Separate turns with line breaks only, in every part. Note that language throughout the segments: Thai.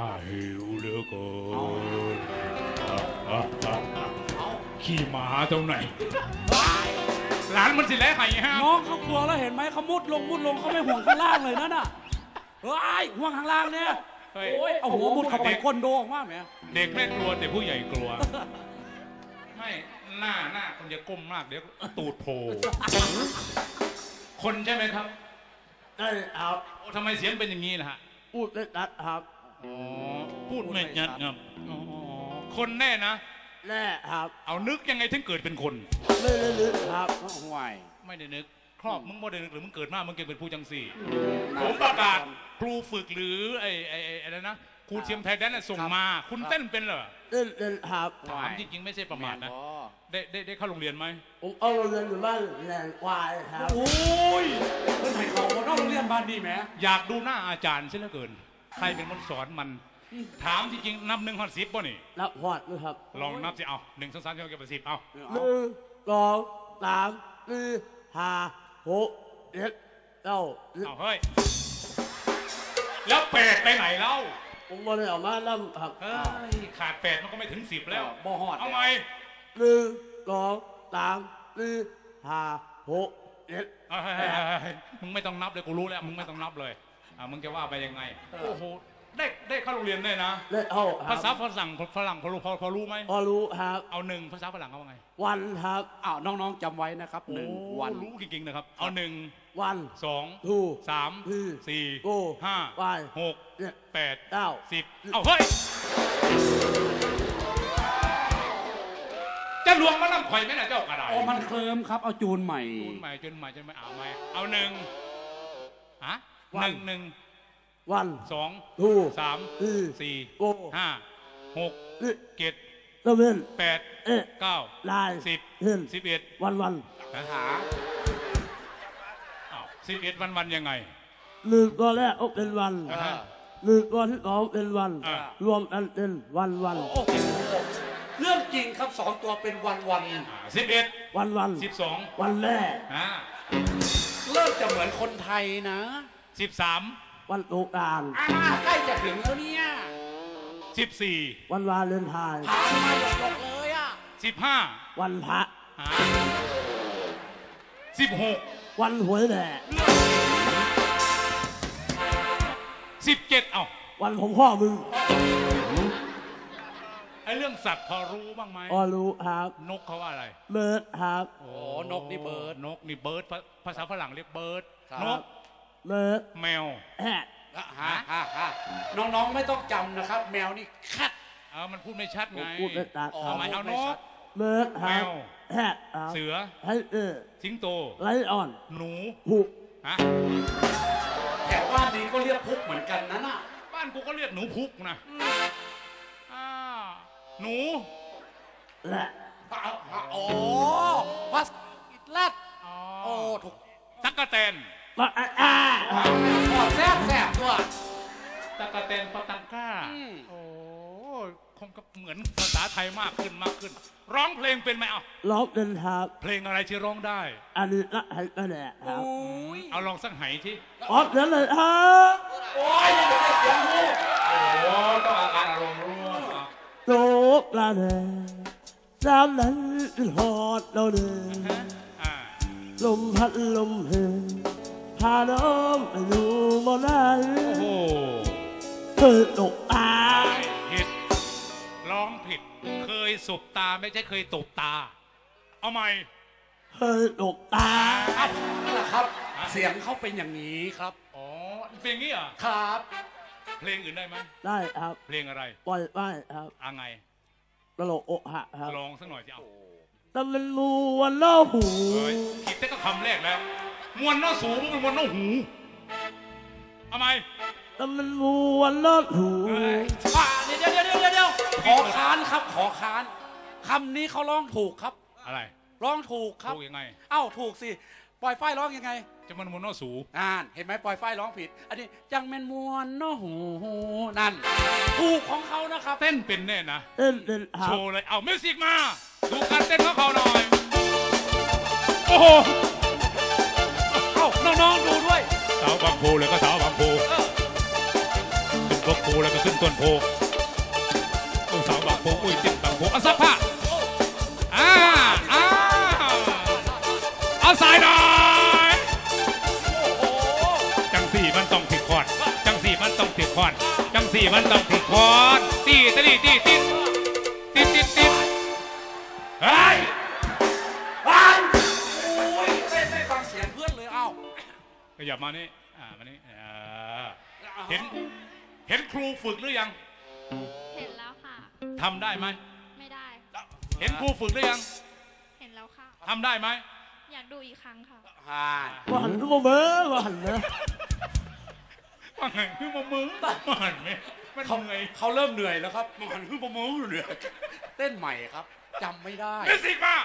หิวเหลือเกินขี่หมาตรงไหนหลานมันสิแล้วไข่ฮะ
น้องเขากลัวแล้วเห็นไหมเขามุดลงเขาไม่ห่วงข้างล่างเลยนั่นน่ะเฮ้ยห่วงข้างล่างเนี่ยโอ้ยเอาหัวมุดเข้าไปก้นโดออกมาแม่
เด็กไม่กลัวแต่ผู้ใหญ่กลัวไม่หน้าคนจะก้มมากเดี๋ยวตูดโผล่คนใช่ไหมครับ
ได้ครับ
ทำไมเสียงเป็นอย่างนี้ล่ะฮะ
พูดไม่ชัดครับ
พูดไม่ชัดครับคนแน่นะ
แน่ครับ
เอานึกยังไงถึงเกิดเป็นคน
ไม่ได้นึกครับ
ห่วย
ไม่ได้นึกครอบมึงไม่ได้นึกหรือมึงเกิดมามึงเกิดเป็นผู้จังสี่ผมประกาศครูฝึกหรือไอ้อะไรนะครูเทียมไทยแดนส่งมาคุณเต้นเป็นเหรอ
เต้นครับ
ถามจริงๆไม่ใช่ประมาทนะได้เข้าโรงเรียนไหม
ผมเอาโรงเรียนอยู่บ้านแหลงควายครับ
โอ้ยเป็นไงเขานอกโรงเรียนบ้านดีไหม
อยากดูหน้าอาจารย์ใช่เหลือเกินใครเป็นคนสอนมันถามจริงๆนับ1 ถึง 10ป่ะนี่
นับหอดด้วยครับ
ลองนับสิเอา1 2 3 4 5 6 7 8 10เอา
1 2 3 4 5 6 7 9
เอาเฮ้ยแล้ว8ไปไหนเล่า
ผมบอกเลยออกมาล่ำครับ
ขาด8มันก็ไม่ถึง10แล้ว
บ่หอด
เอาไหม
1 2 3 4 5 6 7
มึงไม่ต้องนับเลยกูรู้แล้วมึงไม่ต้องนับเลยมึงจะว่าไปยังไงโอ้โหได้เข้าโรงเรียนได้นะ
ได้เอา
ภาษาฝรั่งพอรู้ไหม
พอรู้ครับ
เอา1ภาษาฝรั่งเขาว่าไง
วันครับ
น้องๆจำไว้นะครับ1วัน
รู้จริงๆนะครับเอา1
วัน
2 3 4 5 6 8 9 10เอาเฮ้ยจะลวงมานั่งข่อยไหมนะเจ้ากระได
มันเคลิ้มครับเอาจูนใหม่
จนใหม่เอาไหมเอา11
วัน
2 3 4 5 6 7 8 9 10 11
วัน
หา11วันยังไง
1ตัวแรกเป็นวัน1ตัวที่2เป็นวันรวมกันเป็นวัน
เรื่องจริงครับ2ตัวเป็นวัน
11
วัน
12
วันแรก
เริ่มจะเหมือนคนไทยนะ
13
วันสงกรานต์
ใกล้จะถึงแล้วเนี่ย
14
วันวาเลนไทน์
ผ่านมาหยดเลย
15
วันพระ
16
วันหวยแหล่
17
วันของพ่อมึง
ไอเรื่องสัตว์พอรู้บ้างไหม
รู้ครับ
นกเขาว่าอะไร
เบิร์ดครับ
นกนี่เบิร์ด
ภาษาฝรั่งเรียกเบิร์ดนก
เบิร์ด
แมว
น้องๆไม่ต้องจำนะครับแมวนี่แคท
มันพูดไม่ชัดไง
พูดไม่ชัด
ทำไมเอานก
เบิร์ด
แมวเสือสิงโต
ไลออน
หนู
พุก
แถวบ้านนี้ก็เรียกพุกเหมือนกันนะน่ะ
บ้านกูก็เรียกหนูพุกนะหนู
และ
พัสแรดถูก
ตั๊กแตน
แซ่บตัว
ตั๊กแตนปะตังก้าคงก็เหมือนภาษาไทยมากขึ้นร้องเพลงเป็นไหม
ร้องเป็นครับ
เพลงอะไรที่ร้องได้
อันนี้ละไหก็แหละครับ
เอาลองสักไหที่
เดี๋ยวเลยครับ
โอ้ยยังไม่ได้เสียงหู
ต้องอาการอารมณ์ร่วม
โตปลาแดงน้ำนั้นหอดเราเดินลมพัดลมเพลพาน้องไปอยู่บนนั้นเคยตกตา
ผิดร้องผิดเคยสบตาไม่ใช่เคยตกตาเอาใหม่
เคยตกตา
นั่นแหละครับเสียงเขาเป็นอย่างนี้ครับ
เพลงนี้เหรอ
ครับ
เพลงอื่นได้ไหม
ได้ครับ
เพลงอะไร
ปล่อยไปครับ
ไง
ตลกอกหักครับ
ลองสักหน่อยสิ
แต่มันมวนน้อหู
คิดแต่ก็คำแรกแล้วมวนน้อสูมันมวนน้อหูเอาไหม
แต่มันมวนน้อหู
เดี๋ยวขอค้านครับขอค้านคำนี้เขาร้องถูกครับ
อะไร
ร้องถูกครับ
ถูกยังไง
ถูกสิปล่อยฝ้ายร้องยังไง
จะมันมวนน้อสู
เห็นไหมปล่อยฝ้ายร้องผิดอันนี้จังแมนมวนน้อหูนั่นถูกของเขานะครับ
เต้นเป็นแน่นะ
เต้น
โชว์เลยเอามิวสิกมาดูการเต้นของเขาหน่อยโอ้โห
น้องๆดูด้วย
สาวบางโพเลยก็สาวบางโพพวกโพแล้วก็ขึ้นต้นโพลูกสาวบางโพอุ้ยติดบางโพเอาซักผ้าเอาสายหน่อยจังสี่มันต้องติดคอนจังสี่มันต้องติดคอนจังสี่มันต้องติดคอนตีเฮ้ย
ไม่ฟังเสียงเพื่อนเลยเอ้า
ขยับมานี่มานี่เห็นครูฝึกหรือยัง
เห็นแล้วค่ะ
ทำได้ไหม
ไม่ได้
เห็นครูฝึกหรือยัง
เห็นแล้วค่ะ
ทำได้ไหม
อยากดูอีกครั้งค่ะ
ว่าหันมาเบ้อว่าหันนะ
ว่าไงคือมามือว่าหันไหม
เขาเริ่มเหนื่อยแล้วครับมันหันคือมามือเหนื่อยเต้นใหม่ครับจำไม่ได้
มิวสิกมา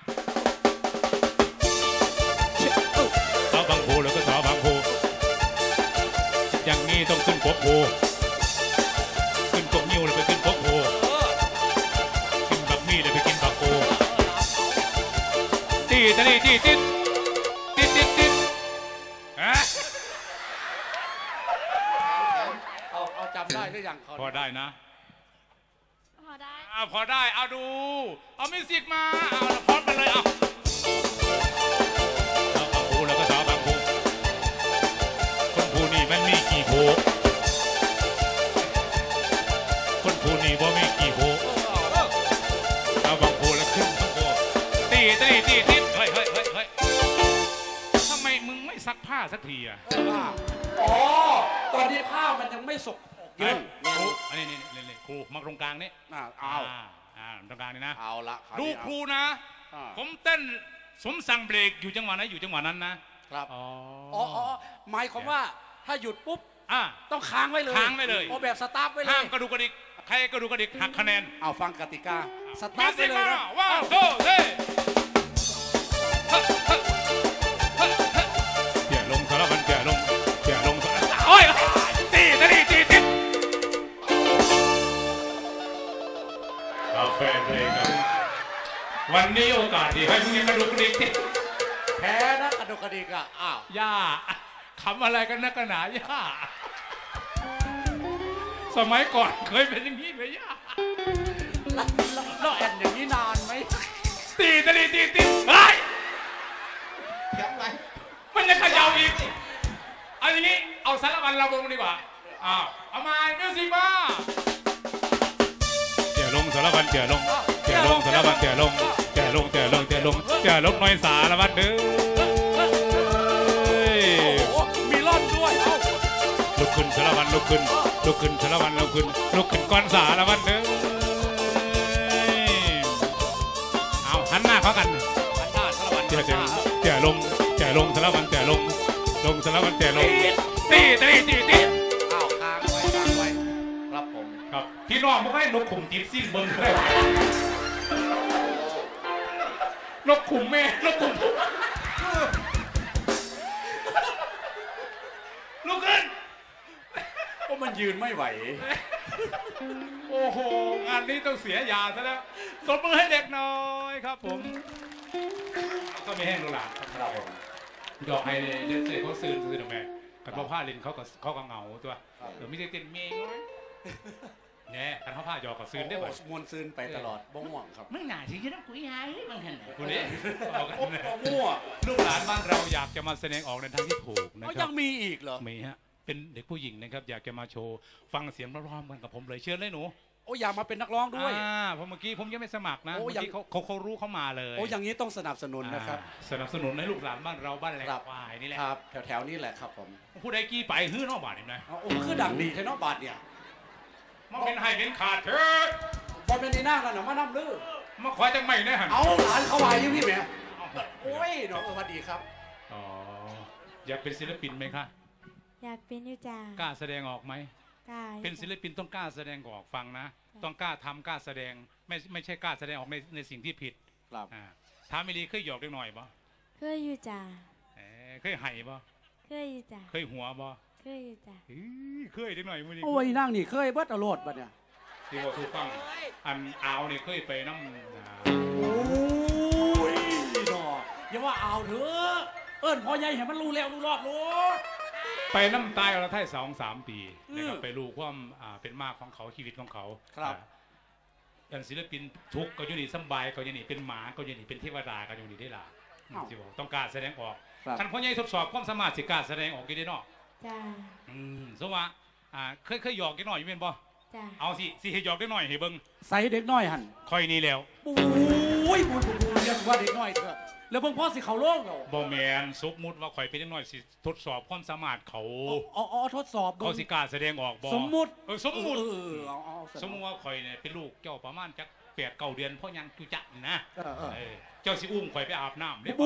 สาวบางโพแล้วก็สาวบางโพอย่างนี้ต้องขึ้นกบโพขึ้นกบนิ้วเลยไปขึ้นกบโพกินบักมี่เลยไปกินบักโพตี
เอาจำได้หรือยัง
พอได้นะ
พอได้
พอได้เอาดูเอามิวสิกมาเอาพร้อมกันเลยเอาบางโพแล้วก็สาวบางโพคนภูนี่มันมีกี่โพคนภูนี่บ่มีกี่โพเอาบางโพแล้วขึ้นทั้งโพตีเฮ้ยทำไมมึงไม่ซักผ้าสักทีอ่ะ
ตอนนี้ผ้ามันยังไม่สกเยอะ
อันนี้ครูมาตรงกลางนี่ตรงกลางนี่นะ
เอาละ
ดูครูนะผมเต้นสมสั่งเบรกอยู่จังหวะไหนอยู่จังหวะนั้นนะครับ
หมายความว่าถ้าหยุดปุ๊บต้องค้างไว้เลยแบบสตาร์ทไว้เลย
ห้ามกระดูกกระดิกใครกระดูกกระดิกหักคะแนน
เอาฟังกติกาสตาร์ทไว้เลยนะ
ว้าวโซ่เฮ้เกี่ยลงสารพันเกี่ยลงโอ้ยตีกาแฟเลยครับวันนี้โอกาสดีให้มึงกระดูกกระดิก
แพ้นะกระดูกกระดิกอ้าว
ย่าขำอะไรกันนักหนาย่าสมัยก่อนเคยเป็นอย่างนี้ไหมย่า
แล้วแอนอย่างนี้นานไหม
ตีเฮ้ยมันจะขย่าอีกเอาอย่างนี้เอาสารพันเราลงดีกว่าเอามามิวสิกมาเกี่ยลงสารพันเกี่ยลงสารพันเกี่ยลงน้อยสารพันเด้อ
มีร่อนด้วย
ลุกขึ้นสารพันลุกขึ้นสารพันลุกขึ้นก้อนสารพันเด้อเอาหันหน้าเขากันเกี่ยลงสารพันเกี่ยลงสารพันเกี่ยลงตี
เอาค้างไว้ครับผม
ครับพี่น้องไม่ให้นกขุมติดซิ่งเบิ้งเลยนกขุมแม่นกขุมลุกขึ้น
ก็มันยืนไม่ไหว
โอ้โหงานนี้ต้องเสียยาซะแล้วตบมือให้เด็กน้อยครับผมก็ไม่แห้งหรอกครับผมดอกไฮเดนเซ่เขาซื้อตรงไหนกันเพราะผ้าลินเขาก็เหงาตัวไม่ใช่เต้นเมย์เนี่ยกันเขาผ้าหยอกกับซื้อได้บ่
มวนซื้อไปตลอดบ้องหวังครับ
มึงหนาสิจะต้องคุยหายบางท่าน
คุณนี่มั่วลูกหลานบ้านเราอยากจะมาแสดงออกในทางที่ถูกนะครับ
ยังมีอีกเหรอ
มีฮะเป็นเด็กผู้หญิงนะครับอยากจะมาโชว์ฟังเสียงร้องๆกันกับผมเลยเชิญเลยหนู
อยากมาเป็นนักร้องด้วย
เพราะเมื่อกี้ผมยังไม่สมัครนะเมื่อกี้เขารู้เขามาเลย
อย่างนี้ต้องสนับสนุนนะครับ
สนับสนุนให้ลูกหลานบ้านเราบ้านแหลกควายนี่แหละ
ครับแถวนี้แหละครับผม
ผู้ใดกี้ไปฮื้อนอกบาทเห็นไหม
คือดังดีแค่นอกบาทเนี่ย
มาเป็นไฮเป็นขาดเถอะ
บอลเป็นในหน้ากันหรอมาน้ำลื้อ
มาคอยจังไม่ได้หัน
เอาหลานเขาไว้ยังพี่แม่โอ้ยน้องสวัสดีครับ
อยากเป็นศิลปินไหมคะ
อยากเป็นอยู่จ้าก
ล้าแสดงออกไหม
กล้า
เป็นศิลปินต้องกล้าแสดงออกฟังนะต้องกล้าทำกล้าแสดงไม่ใช่กล้าแสดงออกในสิ่งที่ผิด
ครับ
ถามไม่ดีเคยหยอกเล็กหน่อยบ่
เคยอยู่จ้า
เคยไห่บ่
เคยอยู่จ้า
เคยหัวบ่
เคยอยู่จ้า
เคยเล็กหน่อยมื้อนี้
โอ้ยนั่งนี่เคยเบิดอรรถบัดเนี่ย
ที่ว่าทุกฟังอันเอาเนี่ยเคยไปน้ำ
โอ้ยดอกอย่าว่าเอาเถอะเอิ้นพ่อใหญ่เห็นมันรู้แล้วรู้รอดรู้
ไปน้ำตายเราไทย2-3 ปีนะครับไปรู้ความเป็นมากของเขาชีวิตของเขาอย่างศิลปินทุกก็อยู่นี่สบายก็อยู่นี่เป็นหมาก็อยู่นี่เป็นเทวดาก็อยู่นี่ได้ล่ะสิบอกต้องการแสดงออกท่านพ่อใหญ่ทดสอบความสามารถสิการแสดงออกกี่ได้เนาะ
จ้า
สมว่าเคยหยอกกันหน่อยอยู่เป็นบ่เอาสิให้หยอกได้หน่อยให้เบิ่ง
ใส่เด็กน้อยหัน
คอยนี่แล้ว
โอ้ยบุญเรียกว่าเด็กน้อยเถอะแล้วเบิ่งพ่อสิเขาโล่งเหรอ
บ่แม่นสมมุติว่าข่อยเป็นเด็กน้อยสิทดสอบความสามารถเขา
ทดสอบ
เขาสิการแสดงออกบ่
สมมุติ
สมมุติว่าข่อยเนี่ยเป็นลูกเจ้าประมาณจัก8-9 เดือนพ่อยังจุจักนะเจ้าสิอุ้มข่อยไปอาบน้ำได้บ่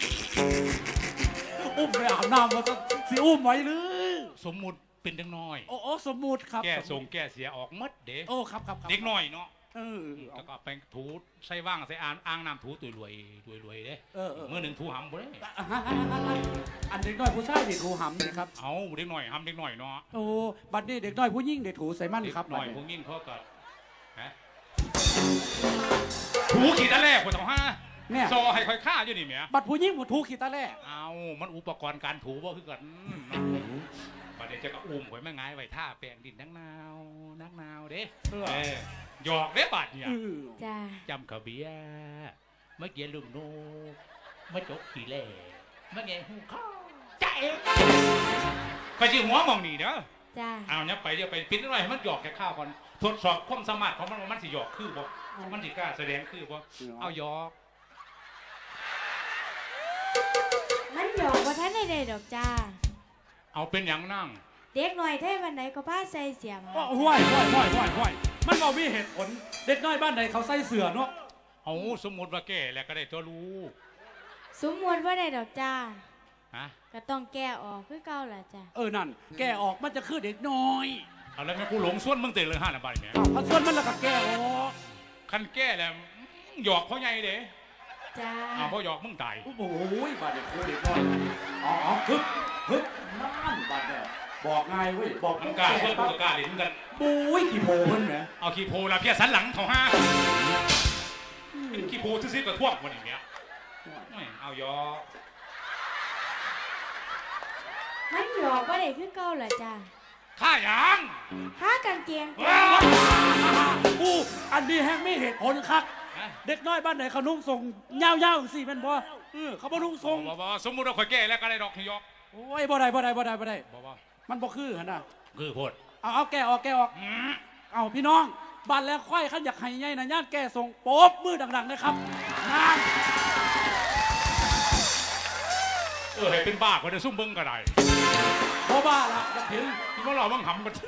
อุ้มไปอาบน้ำมาสิอุ้มไว้หรือ
สมมุติเป็นเด็กน้อย
สมมุติครับ
แก้เสียออกมัดเด้
ครับ
เด็กน้อยเนาะแล้วก็ไปถูใส่ว่างใส่อ่างน้ำถูตุยรวยเด้เมื่อหนึ่งถูหำบ่ได้
อันเด็กน้อยผู้ชายเด็กถูหำนะครับ
เอาเด็กน้อยหำเด็กน้อยเนาะ
โอ้บัดนี้เด็กน้อยผู้หญิงเด็กถูใส่มั่นครับ
หน่อยผู้หญิงเขาก็ถูขีดตะแรกคนต้องซอให้ค่อยฆ่าอยู่นี่เมีย
บัดผู้หญิงถูขีดตะแรก
เอามันอุปกรณ์การถูบ่คือกันบัดเดี๋ยวจะก็อุ้มข่อยแม่งายไว้ท่าแปลงดินนักนาวเด้หยอกเด้บัดเนี่ยจำขบเบียเมื่อกี้ลุงโนเมื่อจกขี่เล่เมื่อไงหูข้าวใจไปจีหัวมองนี่เด้อเอาเนี่ยไปเดี๋ยวไปปิ้นหน่อยให้มันหยอกแค่ข้าวก่อนทดสอบความสามารถของมันสิหยอกคือบ่มันสิกล้าแสดงคือบ่เอาหยอก
มันหยอกว่าท่านได้ดอกจ้า
เอาเป็นอย่างนั่ง
เด็กหน่อยเท่วันไหนก็ผ้าใส่เสียมา
ห้วยมันบอกมีเหตุผลเด็กน้อยบ้านไหนเขาใส่เสื้อเนาะ
เอาสมมติว่าแก่แล้วก็ได้ตัวรู้
สมมติว่าได้ดอกจ้าก็ต้องแก้ออกคือเก่าแหละจ้า
นั่นแก้ออกมันจะคือเด็กน้อย
เอาแล้วแม่กูหลงส่วนมึงเตะเลย5 นาทีเนี่ย
พันส่วนมันแล้วก็แก้ออก
คันแก้แล้วหยอกเขาใหญ่เด้
จ้า
เพราะหยอกมึงตาย
โอ้โหบาดเด็กโคเด็กน้อยฮึบนั่นบาดเนี่ยบอกง่ายเว้ยบอก
มันกล้าเพื่อนกูกล้าเล่นกัน
ปุ้ยขี้โพเพิ่นแหม
เอาขี้โพละเพี้ยสันหลังเขาเป็นขี้โพซื้อกับท่วงวันนี้เอาหยอก
มันหยอกว่าได้คือเก่าแหละจ้า
ข้ายัง
ข้ากางเกง
อันนี้แห้งไม่เหตุผลครับเด็กน้อยบ้านไหนเขานุ่งทรงยาวๆสิเป็นบ่เขาบ่นุ่งทรง
บ่สมมุติเราข่อยแก่แล้วก็ได้ดอกหยอก
โอ้ยบ่ได้มันบ่คือหั่นน่ะ
คือโพด
เอาแก้ออกเอาพี่น้องบ้านแล้วค่อยขันอยากให้ใหญ่นะญาติแก้ทรงโป๊บมือดังๆนะครับ
ให้เป็นบ้าคนจะซุ่มเบิ้งก็ได้
เพราะบ้าละจะเห็น
ที่ว่าเราบังหำกัน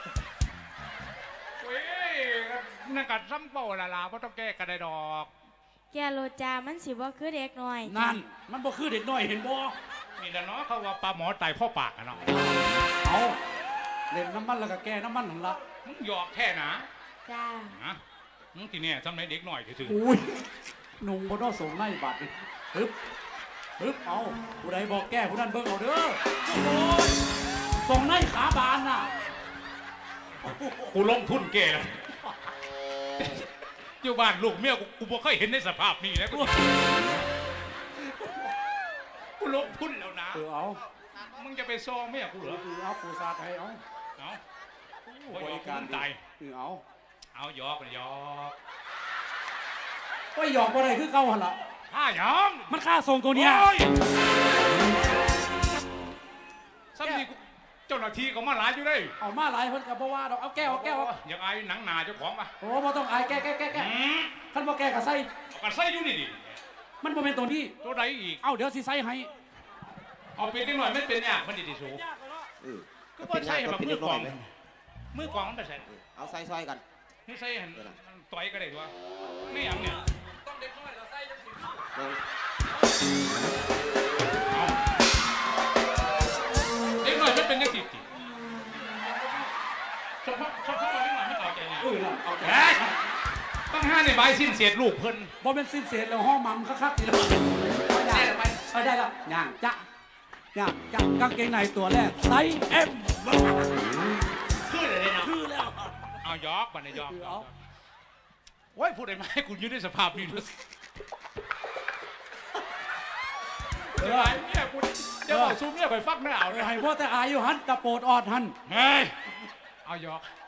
เว้ยนั่นกัดซ้ำเป่าละเพราะต้องแก้กันได้ดอก
แกโลจามันสิว่าคือเด็กน้อย
นั่นมันบ่คือเด็กน้อยเห็นบ่
นี่แหละเนาะเขาว่าปลาหมอตายพ่อปากอะเนาะ
เอาเล่นน้ำมันแล้วก็แก้น้ำมันนั่นละ
มึงหยอกแค่นะ
จ้า
มึงทีเนี่ยทำไมเด็กหน่อยถือ
อุ้ยนุ่งบนนอส่งไล่บาดดิฮึบเอาผู้ใดบอกแก้ผู้นั้นเบิ่งเอาเด้อส่งไล่ขาบานน่ะ
กูลงทุนแก่แล้วอยู่บ้านลูกเมียกูบ่เคยเห็นในสภาพนี้นะกูลงทุนแล้วนะ
เอา
มึงจะไปซองเมียกูเหรอ
เอาปูซาไทยเอา
บริการตายเอาหยอก
ก็หยอกอะไรคือเก่าหันละ
ข้าหยอก
มันฆ่าทรงตัวเนี้ย
สักทีเจ้าหน้าที่ก็มาหลายอยู่เลย
เอามาหลายคนกับเพราะว่าเราเอาแก้ว
อย่างไอ้หนังหนาเจ้าของป่ะ
โอ้ไม่ต้องไอ้แก้ท่านบอกแก้กับไส้
อยู่นี่ดิ
มันบ่เป็นตัวที่
ตัวใดอีก
เอาเดี๋ยวสิไส้ให้
เอาเป็นนิดหน่อยไม่เป็นเนี่ยมันดีสูก็ว่าใช่แบบมือกองมันไปใส่
เอาใส่ซอยกัน
นี่ใส่หันต่อยก็ได้ด้วยไม่อย่างเนี่ยต้องเด็กน้อยเราใส่จังสิเด็กน้อยไม่เป็นยังสิชอบเด็กน้อยไม่เอาใจเนี่ย
เอาใจ
ต้องห้าในใบสิ้นเศษลูกเพิ่น
บ่เป็นสิ้นเศษแล้วห้องมั่มคักๆทีละได้แล้วย่างจ้ะกางเกงในตัวแรกไซส์ M
คือเลยนะคือแล้วเอายอกบันไดยอกโอ้ยพูดได้ไหมกูยืนในสภาพนี้ด้วยเดี๋ยวไอ้เนี่ยกูจะบอกซูมเนี่ยไปฟักไม่เอา
ให้พ่อแต่อายอยู่หันตะโปดออดหัน
เฮ้ยเอาหยอก